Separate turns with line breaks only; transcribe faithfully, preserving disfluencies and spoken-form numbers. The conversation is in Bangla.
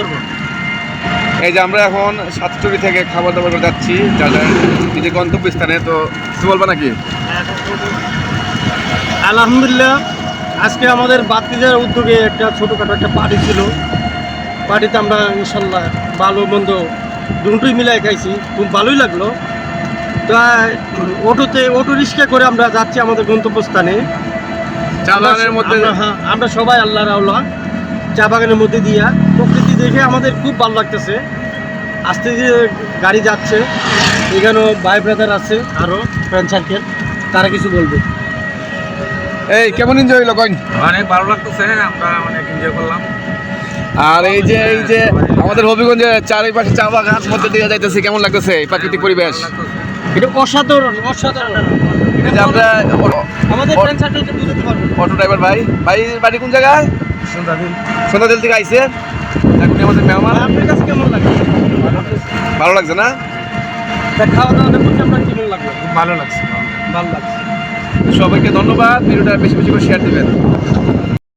সুন্দরবন।
এই যে আমরা এখন সাতচুরি থেকে খাবার দাবার করে যাচ্ছি যাদের নিজের গন্তব্যস্থানে, তো কিছু বলবো নাকি?
আলহামদুলিল্লাহ, আজকে আমাদের বাতিজার উদ্যোগে একটা ছোটোখাটো একটা পার্টি ছিল। পার্টিতে আমরা ইনশাল্লাহ ভালো মন্দ দুটোই মিলাই খাইছি, খুব ভালোই লাগলো। তাই অটোতে অটো রিক্সা করে আমরা যাচ্ছি আমাদের গন্তব্যস্থানে।
চা বাগানের মধ্যে
আমরা- হ্যাঁ, আমরা সবাই আল্লাহ রাউলা চা বাগানের মধ্যে দিয়া প্রকৃতি দেখে আমাদের খুব ভালো লাগতেছে। আস্তে যে গাড়ি যাচ্ছে, এখানেও ভাই ব্রাদার আছে আরও ফ্রেন্ড সার্কেল, তারা কিছু বলবে।
এই কেমন এনজয় হইলো কইন?
অনেক ভালো লাগতেছে, আমরা অনেক এনজয় করলাম।
আর এই যে এই যে আমাদের হবিগঞ্জে চারিপাশে চা বাগান মধ্যে দিয়ে যাইতেছে, কেমন লাগতেছে এই প্রাকৃতিক পরিবেশ?
এটা অসাধারণ অসাধারণ।
এই যে আমরা
আমাদের ফ্রেন্ড সার্কেলকে বুঝতে পারবো।
অটো ড্রাইভার ভাই ভাই বাড়ি কোন জায়গায়? সন্ধ্যাদিল থেকে আইছে। এখন আমাদের মেহমান।
আপনার কাছে কেমন লাগে?
ভালো লাগছে না?
তা খাওয়া দাওয়াটা করতে আপনার কেমন লাগলো?
খুব ভালো লাগছে।
ভালো লাগছে।
সবাইকে ধন্যবাদ, ভিডিওটা বেশি বেশি করে শেয়ার দিবেন।